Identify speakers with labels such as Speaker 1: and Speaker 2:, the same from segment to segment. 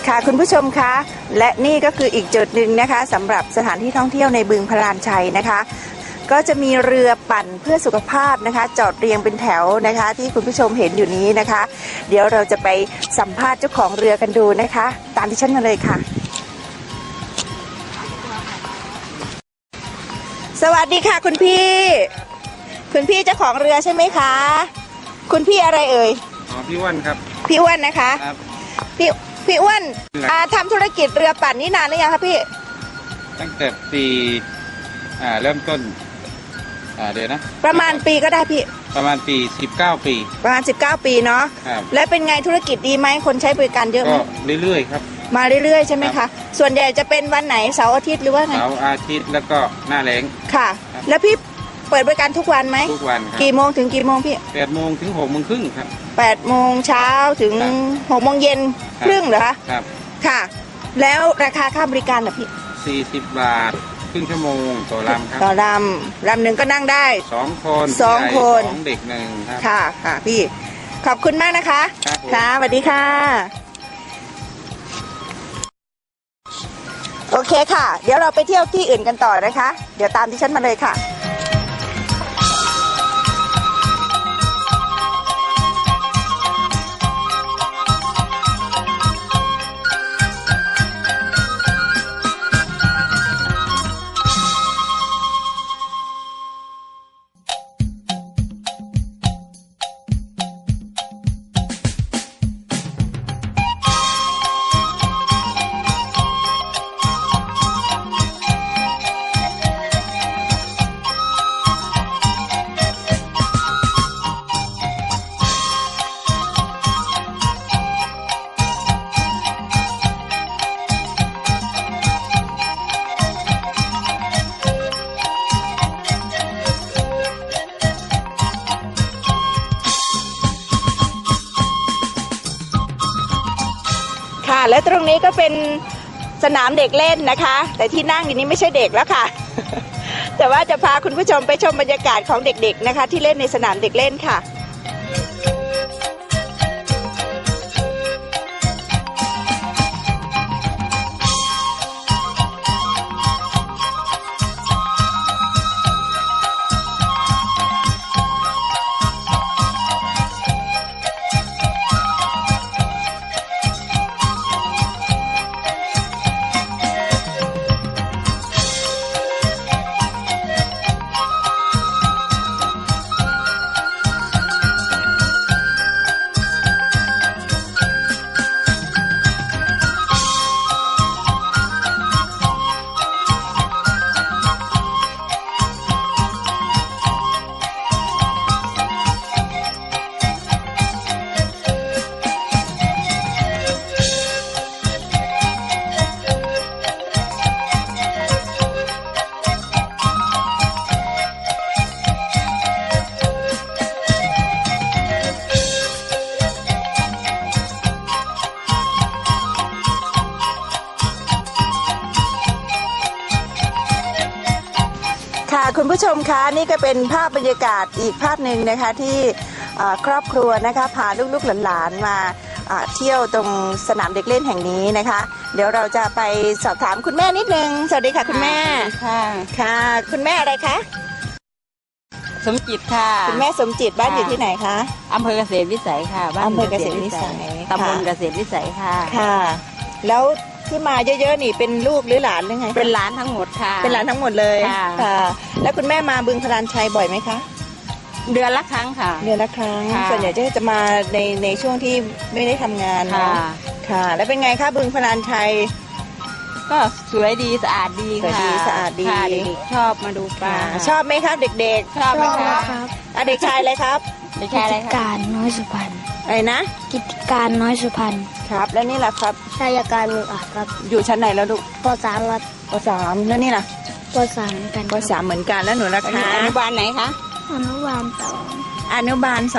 Speaker 1: ค่ะคุณผู้ชมคะและนี่ก็คืออีกจุดหนึ่งนะคะสำหรับสถานที่ท่องเที่ยวในบึงพลานชัยนะคะก็จะมีเรือปั่นเพื่อสุขภาพนะคะจอดเรียงเป็นแถวนะคะที่คุณผู้ชมเห็นอยู่นี้นะคะเดี๋ยวเราจะไปสัมภาษณ์เจ้าของเรือกันดูนะคะตามที่ฉันมาเลยค่ะสวัสดีค่ะคุณพี่เจ้าของเรือใช่ไหมคะคุณพี่อะไรเอ่ย
Speaker 2: พี่อ้วนครับ
Speaker 1: พี่อ้วนนะคะ
Speaker 2: ครับ
Speaker 1: พี่อ้วนทำธุรกิจเรือปั่นนี่นานหรือยังคะพี่
Speaker 2: ตั้งแต่ปีเริ่มต้นเดี๋ยวนะ
Speaker 1: ประมาณปีก็ได้พี่
Speaker 2: ประมาณปี19 ปี
Speaker 1: ประมาณ19 ปีเนาะและเป็นไงธุรกิจดีไหมคนใช้บริการเยอะไหม
Speaker 2: ก็เรื่อยๆครับ
Speaker 1: มาเรื่อยๆใช่ไหมคะส่วนใหญ่จะเป็นวันไหนเสาร์อาทิตย์หรือว่าไง
Speaker 2: เสาร์อาทิตย์แล้วก็หน้าแล้ง
Speaker 1: ค่ะแล้วพี่เปิดบริการทุกวันไหม
Speaker 2: ทุกวันครับ
Speaker 1: กี่โมงถึงกี่โมงพี่
Speaker 2: 8 โมงถึง6 โมงครึ่งครับ
Speaker 1: 8 โมงเช้าถึง6 โมงเย็นครึ่งเหรอคะ
Speaker 2: ครับ
Speaker 1: ค่ะแล้วราคาค่าบริการเหรอพี่
Speaker 2: 40 บาทครึ่งชั่วโมงต่อลำครับ
Speaker 1: ต่อลำหนึ่งก็นั่งได้
Speaker 2: 2 คน
Speaker 1: 2 คน
Speaker 2: 2 เด็ก1ครับ
Speaker 1: ค่ะพี่ขอบคุณมากนะคะค่ะสวัสดีค่ะโอเคค่ะเดี๋ยวเราไปเที่ยวที่อื่นกันต่อนะคะเดี๋ยวตามที่ฉันมาเลยค่ะและตรงนี้ก็เป็นสนามเด็กเล่นนะคะแต่ที่นั่งอยู่นี้ไม่ใช่เด็กแล้วค่ะ แต่ว่าจะพาคุณผู้ชมไปชมบรรยากาศของเด็กๆนะคะที่เล่นในสนามเด็กเล่นค่ะคุณผู้ชมคะนี่ก็เป็นภาพบรรยากาศอีกภาพหนึ่งนะคะที่ครอบครัวนะคะพาลูกๆหลานๆมาเที่ยวตรงสนามเด็กเล่นแห่งนี้นะคะเดี๋ยวเราจะไปสอบถามคุณแม่นิดนึงสวัสดีค่ะคุณแม่ค่ะคุณแม่อะไรคะ
Speaker 3: สมจิตค่ะ
Speaker 1: คุณแม่สมจิตบ้านอยู่ที่ไหนคะ
Speaker 3: อำเภอเกษตรวิสัยค่ะ
Speaker 1: อำเภอเกษตรวิสัย
Speaker 3: ตำบลเกษตรวิสัยค่ะ
Speaker 1: ค่ะแล้วที่มาเยอะๆนี่เป็นลูกหรือหลานหรือไง
Speaker 3: เป็นหลานทั้งหมดค่ะ
Speaker 1: เป็นหลานทั้งหมดเลยค่ะแล้วคุณแม่มาบึงพลานชัยบ่อยไหมคะ
Speaker 3: เดือนละครั้งค่ะ
Speaker 1: เดือนละครั้งส่วนใหญ่จะมาในช่วงที่ไม่ได้ทำงานค่ะแล้วเป็นไงคะบึงพลานชัย
Speaker 3: ก็สวยดีสะอาดดีค่ะ
Speaker 1: สะอาดดี
Speaker 3: เด็กชอบมาดูปลา
Speaker 1: ชอบไหมครับเด็ก
Speaker 3: ๆชอบไหมครับ
Speaker 1: เด็กชายอะไรครับ
Speaker 3: เด็กชายอะไรครับ
Speaker 4: การน้อยสุพรรณ
Speaker 1: อะไรนะ
Speaker 4: กิจการน้อยสุพรรณ
Speaker 1: ครับแล้วนี่ล่ะครับ
Speaker 4: ชายการมืออาครับ
Speaker 1: อยู่ชั้นไหนแล้วลูก
Speaker 4: ป.3 ครับ
Speaker 1: ป.3แล้วนี่ล่ะ
Speaker 4: ป.3เหมือนกัน
Speaker 1: ป.3เหมือนกันแล้วหนูล่ะคะ
Speaker 3: อนุบาลไหนคะ
Speaker 4: อนุบาล2
Speaker 1: อนุบาล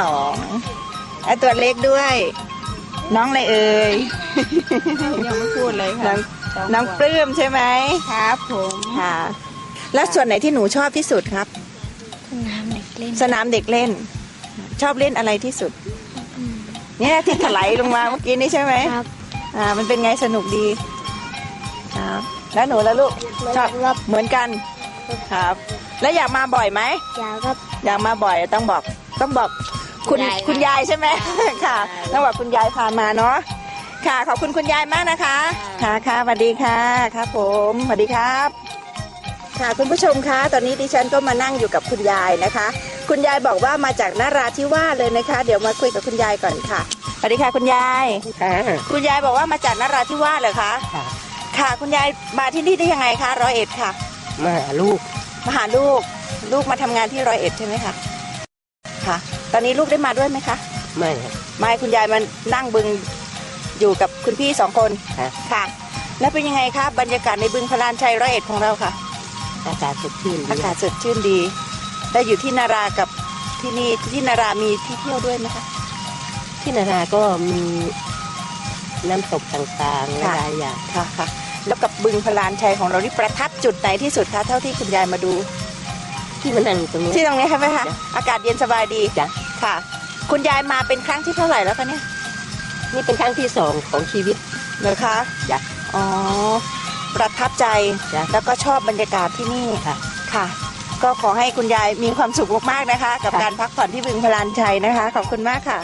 Speaker 1: 2และตัวเล็กด้วยน้องอะไรเอ่ย
Speaker 3: ยังไม่พูดเลยค่ะ
Speaker 1: น้องปลื้มใช่ไหม
Speaker 3: ครับผม
Speaker 1: ค่ะแล้วส่วนไหนที่หนูชอบที่สุดครับ
Speaker 4: สนามเด็กเล่น
Speaker 1: สนามเด็กเล่นชอบเล่นอะไรที่สุดเนี่ยที่ถลายลงมาเมื่อกี้นี้ใช่ไหม
Speaker 4: ครับ
Speaker 1: มันเป็นไงสนุกดีครับแล้วหนูแล้วลูกชอบเหมือนกันครับ แล้วอยากมาบ่อยไหม
Speaker 4: ยาวครับ
Speaker 1: อยากมาบ่อยต้องบอกคุณยายใช่ไหมค่ะต้องบอกคุณยายพามาเนาะค่ะขอบคุณคุณยายมากนะคะค่ะค่ะสวัสดีค่ะครับผมสวัสดีครับ ค่ะคุณผู้ชมคะตอนนี้ดิฉันก็มานั่งอยู่กับคุณยายนะคะ คุณยายบอกว่ามาจากนราธิวาสเลยนะคะ เดี๋ยวมาคุยกับคุณยายก่อนค่ะสวัสดีค่ะคุณยายคุณยายบอกว่ามาจากนราธิวาสเหรอคะค่ะคุณยายมาที่นี่ได้ยังไงคะ101ค่ะ
Speaker 5: มาหาลูก
Speaker 1: มาหาลูกมาทำงานที่101ใช่ไหมคะค่ะ ตอนนี้ลูกได้มาด้วยไหมคะ
Speaker 5: ไม่ครับ
Speaker 1: ไม่คุณยายมันนั่งบึงอยู่กับคุณพี่2 คน
Speaker 5: ครับ
Speaker 1: ค่ะ แล้วเป็นยังไงคะบรรยากาศในบึงพลานชัย101ของเราค่ะ
Speaker 5: อากาศสดชื่นดี
Speaker 1: อากาศสดชื่นดีได้อยู่ที่นารากับที่นี่ที่นารามีที่เที่ยวด้วยไหมคะ
Speaker 5: ที่นาราก็มีน้ำตกต่างๆห
Speaker 1: ค่ะ
Speaker 5: ลายอย่าง
Speaker 1: ค่ะค่ะ แล้วกับบึงพลานชัยของเรานี่ประทับจุดไหนที่สุดคะเท่าที่คุณยายมาดู
Speaker 5: ที่มันนั่งอยู่ตรงนี้
Speaker 1: ที่ตรงนี้ใช่ไหมคะอากาศเย็นสบายดี
Speaker 5: จ้ะ
Speaker 1: ค่ะ คุณยายมาเป็นครั้งที่เท่าไหร่แล้วคะเนี่ย
Speaker 5: นี่เป็นครั้งที่2ของชีวิต
Speaker 1: เหรอคะ
Speaker 5: จ้ะ
Speaker 1: อ๋อประทับใจ
Speaker 5: จ้ะ
Speaker 1: แล้วก็ชอบบรรยากาศที่นี่
Speaker 5: ค่ะ
Speaker 1: ค่ะ ก็ขอให้คุณยายมีความสุขมากๆนะคะ กับ
Speaker 5: ค่ะ
Speaker 1: การพักผ่อนที่บึงพลานชัยนะคะ ขอบคุณมากค่ะ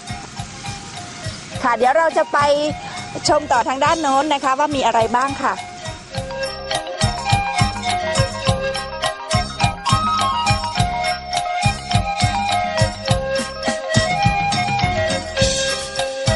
Speaker 1: ค่ะ เดี๋ยวเราจะไปชมต่อทางด้านโน้นนะคะ ว่ามีอะไรบ้างค่ะ